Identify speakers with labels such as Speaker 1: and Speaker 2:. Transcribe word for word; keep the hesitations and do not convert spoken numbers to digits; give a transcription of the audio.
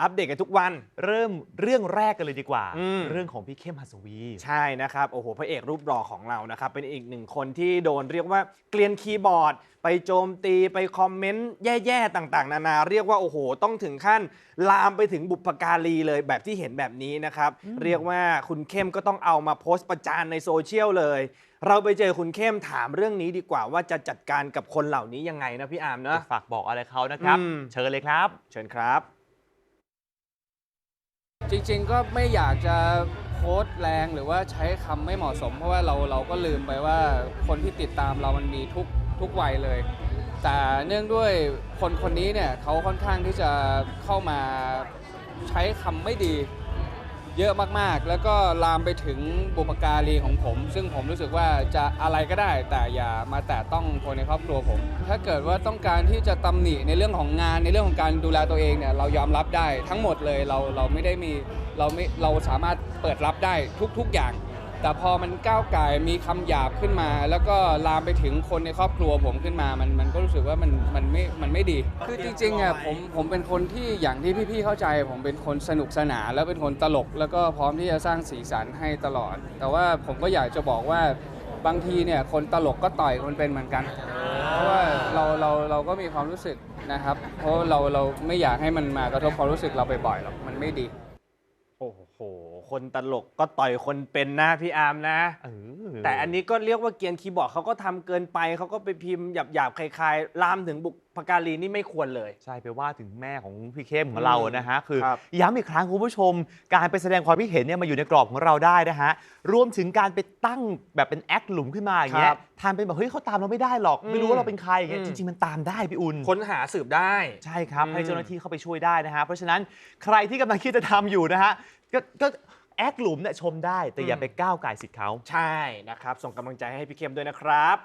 Speaker 1: อัปเดตกันทุกวัน
Speaker 2: เริ่มเรื่องแรกกันเลยดีกว่า
Speaker 1: เรื่
Speaker 2: เรื่
Speaker 1: อ
Speaker 2: อง งของพี่เข้มหัสวี
Speaker 1: ใช่นะครับโอ้โหพระเอกรูปหล่อของเรานะครับเป็นอีกหนึ่งคนที่โดนเรียกว่าเกลียนคีย์บอร์ดไปโจมตีไปคอมเมนต์แย่ๆต่างๆนานาเรียกว่าโอ้โหต้องถึงขั้นลามไปถึงบุพการีเลยแบบที่เห็นแบบนี้นะครับเรียกว่าคุณเข้มก็ต้องเอามาโพสต์ประจานในโซเชียลเลยเราไปเจอคุณเข้มถามเรื่องนี้ดีกว่าว่าจะจัดการกับคนเหล่านี้ยังไงนะพี่อาร์มนะ
Speaker 2: ฝากบอกอะไรเขานะครับเชิญเลยครับ
Speaker 1: เชิญครับ
Speaker 3: จริงๆก็ไม่อยากจะโพสต์แรงหรือว่าใช้คำไม่เหมาะสมเพราะว่าเราเราก็ลืมไปว่าคนที่ติดตามเรามันมีทุกทุกวัยเลยแต่เนื่องด้วยคนคนนี้เนี่ยเขาค่อนข้างที่จะเข้ามาใช้คำไม่ดีเยอะมากๆแล้วก็ลามไปถึงบุพการีของผม ซึ่งผมรู้สึกว่าจะอะไรก็ได้แต่อย่ามาแตะต้องคนในครอบครัวผมถ้าเกิดว่าต้องการที่จะตำหนิในเรื่องของงานในเรื่องของการดูแลตัวเองเนี่ยเรายอมรับได้ทั้งหมดเลยเราเราไม่ได้มีเราไม่เราสามารถเปิดรับได้ทุกๆอย่างแต่พอมันก้าวไก่มีคำหยาบขึ้นมา แล้วก็ลามไปถึงคนในครอบครัวผมขึ้นมามันมันก็รู้สึกว่ามันมันไม่มันไม่ดีคือจริงๆอ่ะผมผมเป็นคนที่อย่างที่พี่ๆเข้าใจผมเป็นคนสนุกสนานแล้วเป็นคนตลกแล้วก็พร้อมที่จะสร้างสีสันให้ตลอดแต่ว่าผมก็อยากจะบอกว่าบางทีเนี่ยคนตลกก็ต่อยคนเป็นเหมือนกันเพราะว่าเราเราเราก็มีความรู้สึกนะครับเพราะเราเราไม่อยากให้มันมากระทบความรู้สึกเราบ่อยๆหรอกมันไม่ดี
Speaker 1: โอ้โหคนตลกก็ต่อยคนเป็นนะพี่อาร์มนะแต่อันนี้ก็เรียกว่าเกียนคีย์บอร์ดเขาก็ทำเกินไปเขาก็ไปพิมพ์หยาบๆคลายๆลามถึงบุพการีนี่ไม่ควรเลย
Speaker 2: ใช่ไปว่าถึงแม่ของพี่เข้มของเรานะฮะคือ
Speaker 1: ค
Speaker 2: ย้ำอีกครั้งคุณผู้ชมการไปแสดงความคิดเห็นเนี่ยมาอยู่ในกรอบของเราได้นะฮะรวมถึงการไปตั้งแบบเป็นแอคหลุมขึ้นมาอย่างเงี้ยทานเป็นแบบเฮ้ยเขาตามเราไม่ได้หรอกไม่รู้ว่าเราเป็นใครอย่างเงี้ยจริงๆมันตามได้พี่อุ่น
Speaker 1: ค้นหาสืบได้
Speaker 2: ใช่ครับให้เจ้าหน้าที่เข้าไปช่วยได้นะฮะเพราะฉะนั้นใครที่กำลังคิดจะทำอยู่นะฮะก็แอคหลุมเนี่ยชมได้แต่อย่าไปก้าวไก่สิทธิ์เขา
Speaker 1: ใช่นะครับส่งกำลังใจให้พี่เข้มด้วยนะครับ